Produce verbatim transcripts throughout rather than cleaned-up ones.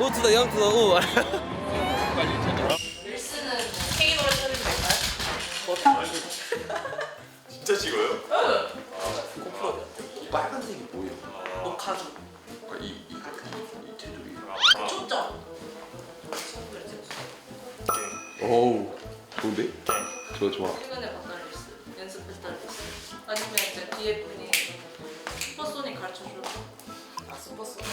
오투다 영투다 오. 릴스는 케이크로 처리도 될까요? 진짜 찍어요? 응. 고프로. 빨간색이 뭐예요? 너 가죽. 이, 이, 이, 이 테두리. 초점. 오우, 좋은데? 좋아, 좋아. 최근에 봤던 릴스. 연습했던 릴스. 아니면 이제 뒤에 분이 슈퍼소닉 가르쳐줘. 아 슈퍼소닉.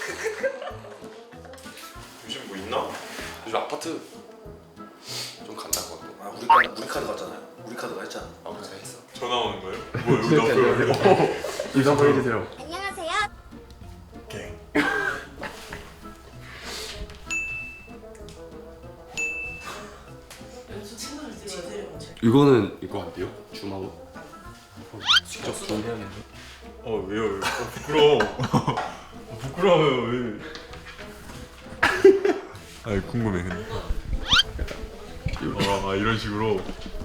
요즘 뭐 있나? 요즘 아파트 좀 간다 것 같고. 아, 우리 카드, 우리 카드 갔잖아요. 우리 카드가 했잖아. 아, 그래서 했어. 전화 오는 거예요? 뭐야 여기 나와요? 인사 한번 해주세요. 안녕하세요. 오케이. 연수 채널을 찍어야 이거는 이거 안 돼요? 줌하고? 직접 줌 해야겠네. 어 왜요? 왜요? 어, 부끄러워. 어, 부끄러워요 왜? 아니 궁금해 근데. 어, 아 이런 식으로.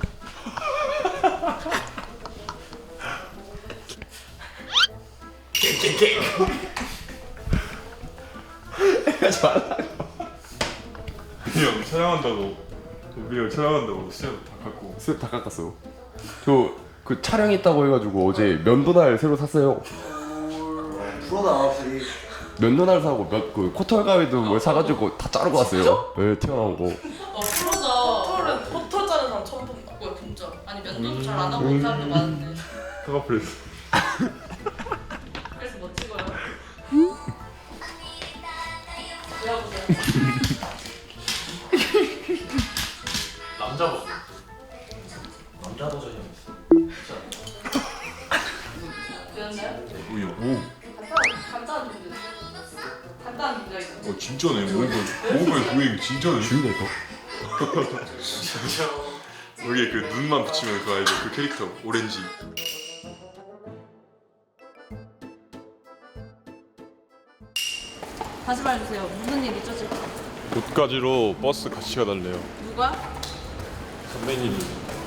형 촬영한다고 우리가 촬영한다고 수염 다 깎고. 쓱 다 깎았어. 저 그 촬영 있다고 해가지고 어제 면도날 새로 샀어요. 프로다 확실히. 면도날 사고 몇 그 코털 가위도 뭘 사가지고 다 자르고 왔어요. 네, 튀어나온 거. 어 프로다. 포털은 포털 자르는 사람 처음 본다. 뭐야 진짜. 아니 면도도 잘 안 하고 있는 사람도 많은데. 카가프레스. 그래서 뭐 찍어요? 보여보세요. 남자 버 남자 버전이 있어. 되었나요? 오야. 간단한 간단한 문제. 간단한 문제가 있어. 오. 어 진짜네. 모건 모건 도액 진짜네. 주인이 이거. 여기에 그 눈만 붙이면 그 알죠? 그 캐릭터 오렌지. 다시 말해주세요. 무슨 일 있죠 지금? 옷가지로 버스 같이 가달래요. 누가? 선배님이.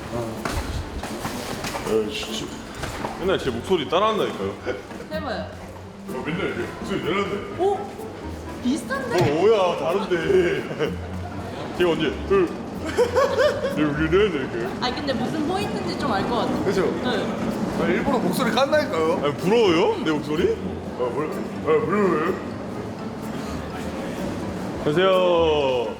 아 진짜. 맨날 제 목소리 따라한다니까요. 해봐요. 어, 맨날 제 목소리 내는데. 오? 비슷한데? 어 뭐야 다른데. 제가 언제 둘. 내 우리 내는 아니 근데 무슨 포인트인지 좀 알 것 같아. 그죠? 네. 아, 일부러 목소리 깐다니까요. 아 부러워요? 내 목소리? 아 뭘? 아 부러워요? 안녕하세요.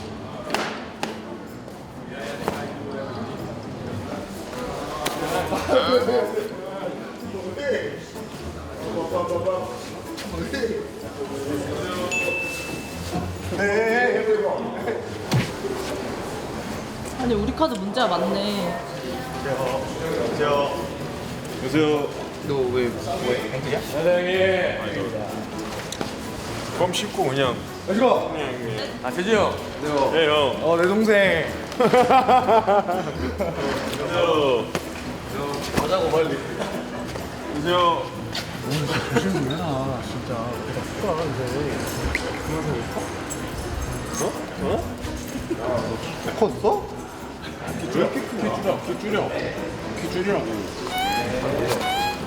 아니 우리 카드 문제가 많네. 안녕하세요. 안녕하세요. 너왜 뭐해? 행크냐? 사장님. 껌 씹고 그냥. let's 아, 재지 형. 네 형. 어, 내 동생. 안녕하세요. 가자고 빨리. 안녕하세요. 조심 좀 해라, 진짜. 내가 fuck 이제. 어? 어? 컸어? 왜 이렇게 크냐? 키 줄여. 키 줄여. 키 줄이라고.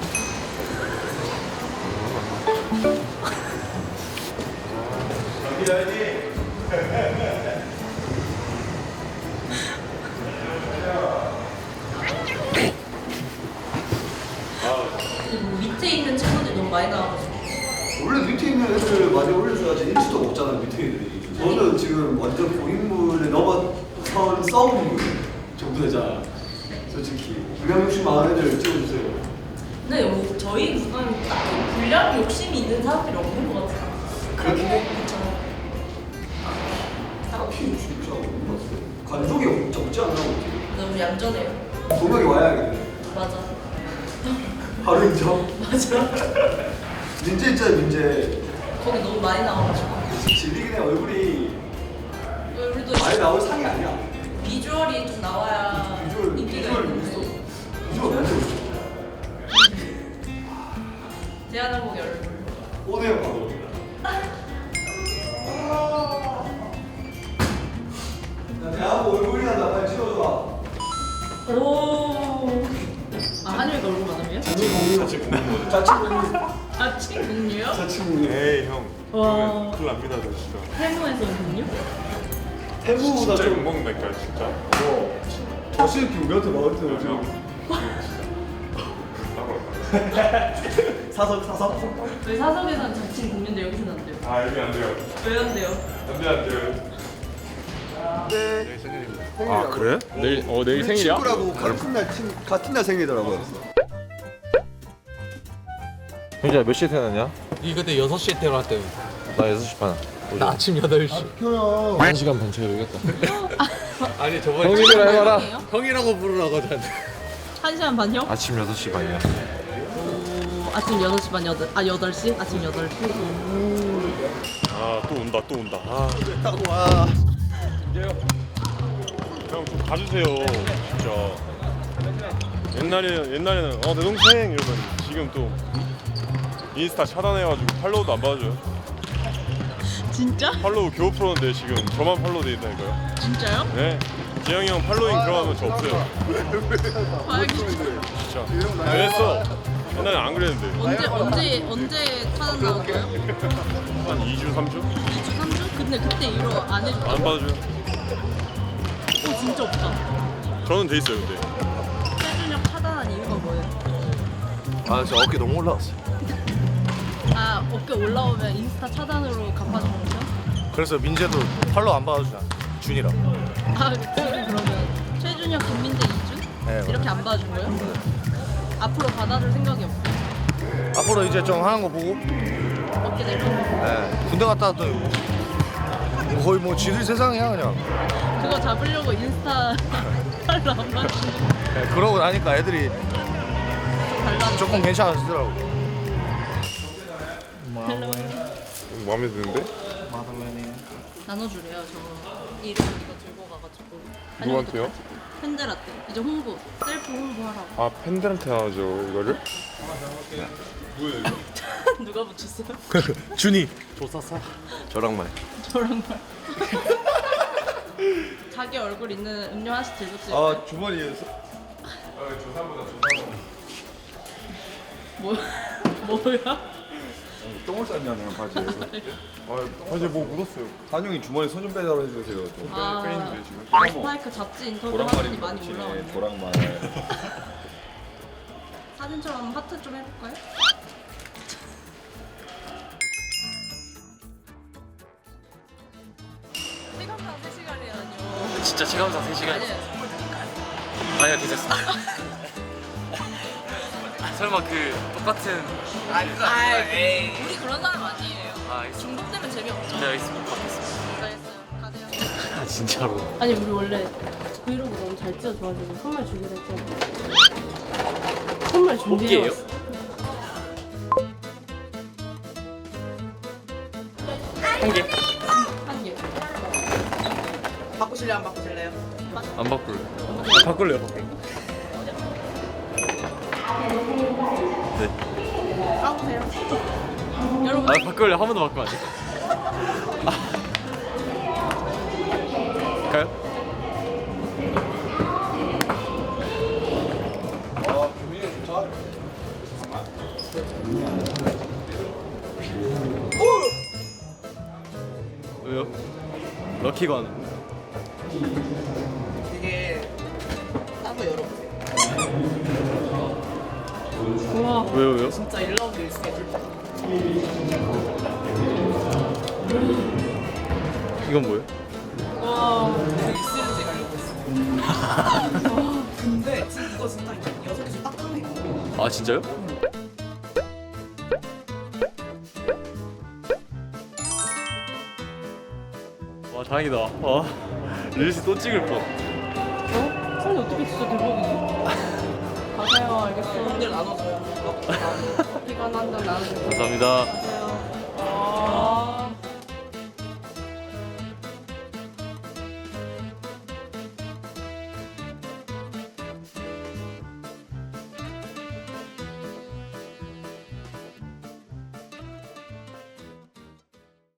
밑에 있는 친구들이 너무 많이 나와가지고. 원래 밑에 있는 애들 많이 올려줘야지 인지도가 없잖아, 밑에 애들이. 저는 지금 완전 고인물에 넘어선 썸 정도잖아. 솔직히. 분량 욕심 많은 애들 찍어주세요. 근데 뭐 저희 구간 딱히 분량 욕심이 있는 사람들이 없는 것 같아요. 그렇긴 해. 그렇죠. 딱히 욕심 잘 없는 것 같아. 관종이 적지 않나, 어떻게. 너무 얌전해요. 동력이 와야겠네. 맞아. 바로 인정. 맞아. 민재 있잖아, 민재. 거기 너무 많이 나와가지고. 질리긴 해, 얼굴이. 우리도 많이 나올 상이 아니야. 비주얼이 좀 나와야 비주얼, 인기가 비주얼 있는데. 있어. 비주얼 완전 있어. 대한항공의 얼굴. 오네요, 바로. 야, 대하고 얼굴이나 나 빨리 찍어줘봐. 오. 아 한율이가 얼굴 많으면? 자취 공유. 같이 보는 거. 자취 공유. 아 친구요? 자취 공유. 에이 형. 와. 큰일 납니다 저 진짜. 세무에서 근육? 태무보다 진짜 좀 욕 먹는다니까 진짜. 뭐 저씨는 우리한테 막을 때 지금 사석 사석 저희 사석에서는 자칭 국민데 여기서는 안 돼요. 아 여기 안 돼요. 왜 안 돼요? 안돼 안 돼요. 아 그래? 내일 어 내일 생일이야? 친구라고 같은 날 친, 같은 날 생일이더라고요. 형제야 몇 시에 태어났냐? 이 그때 여섯 시에 태어났대요. 나 여섯 시 반. 나 아침 여덟 시. 한 시간 반 차이 되겠다. 아니 저번에 형님이라 해봐라. 형이라고 부르라고 저한테. 한 시간 반요? 아침 여섯 시 반이야. 오, 아침 여덟 시 반, 여덟, 아 여덟 시? 아침 여덟 시? 아 또 온다 또 온다. 아 됐다고 와. 형 좀 가주세요 진짜. 옛날에 옛날에는 어 내 동생 이러면 지금 또 인스타 차단해가지고 팔로우도 안 받아줘요. 진짜? 팔로우 겨우 풀었는데 지금 저만 팔로우 돼 있다니까요. 진짜요? 네. 재영이 형 팔로잉 들어가면 저 없어요. 봐야겠다. 진짜. 그랬어. 옛날에 안 그랬는데. 언제, 언제, 언제 차단 나온 거예요? 한 이 주, 삼 주? 이 주, 삼 주? 근데 그때 이후로 안 해줬다고? 안 받아줘요. 오, 진짜 없다. 저는 돼 있어요 근데. 최준혁 차단한 이유가 뭐예요? 아 저 어깨 너무 올라왔어. 아, 어깨 올라오면 인스타 차단으로 갚아주는 거죠? 그래서 민재도 팔로우 안 받아주잖아. 준이랑. 아, 둘이 그러면 최준혁, 김민재, 이준? 네, 이렇게 안 받아준 거예요? 앞으로 받아줄 생각이 없어요? 앞으로 이제 좀 하는 거 보고. 어깨 내려오고 네. 군대 갔다 왔더니 뭐 거의 뭐 지들 세상이야 그냥. 그거 잡으려고 인스타 팔로 안 받아주는 네, 그러고 나니까 애들이 좀 달라졌어요? 조금 괜찮아지더라고. 마음에 드는데? 나눠주래요. 저 이름 이거 들고 가가지고. 누구한테요? 아니면 또 팬들한테. 이제 홍보, 셀프 홍보하라고. 아 팬들한테 하죠 이거를? 뭐예요 이거? 누가 붙였어요? 준이. 저랑만. 저랑 말. 자기 얼굴 있는 음료 하나씩 들고 찍어요. 아 주머니에서 뭐 뭐야? 똥을 쌌냐면 바지에. 아 이제 뭐 묻었어요. 한용이 주머니 손 좀 빼달라 해주세요. 좀. 아, 빼있는데 지금. 스파이크 잡지 인터뷰 하더니 많이 올라왔네. 조랑말. 사진처럼 하트 좀 해볼까요? 시간당 세 시간이라뇨. 진짜 체감상 세 시간. 아니에요. 아니요 괜찮습니다. 설마 그 똑같은. 아, 우리 그런 사람 아니에요. 아 알겠습니다. 중독되면 재미없죠. 네 알겠습니다. 받겠습니다. 알겠어요. 가세요. 아 진짜로. 아니 우리 원래 브이로그 너무 잘 찍어줘가지고 선물 주기로 했잖아. 선물 준비해 왔어. 한 개. 한 개. 바꾸실래요? 안 바꾸실래요? 안 바꿀래. 아, 바꿀래요. 까보세요. 여러분 아 바꿀래. 한 번도 바꾸면 안 돼. 아. 갈까요? 왜요? 럭키건. 이게 따로 열어보세요. 우와. 왜요 왜요? 진짜 일 라운드 일 승에 둘다. 이건 뭐예요? 와. 익스렌지 가려고 했어요. 근데 지금 이거 진짜 여섯 개씩 딱 끝내. 아 진짜요? 와 다행이다. 와 릴스 또 찍을 뻔. 어? 근데 어떻게 진짜 대박이네. 가세요. 알겠어요. 오늘 나눠줘요. 커피가 한잔 나눠주세요. 감사합니다.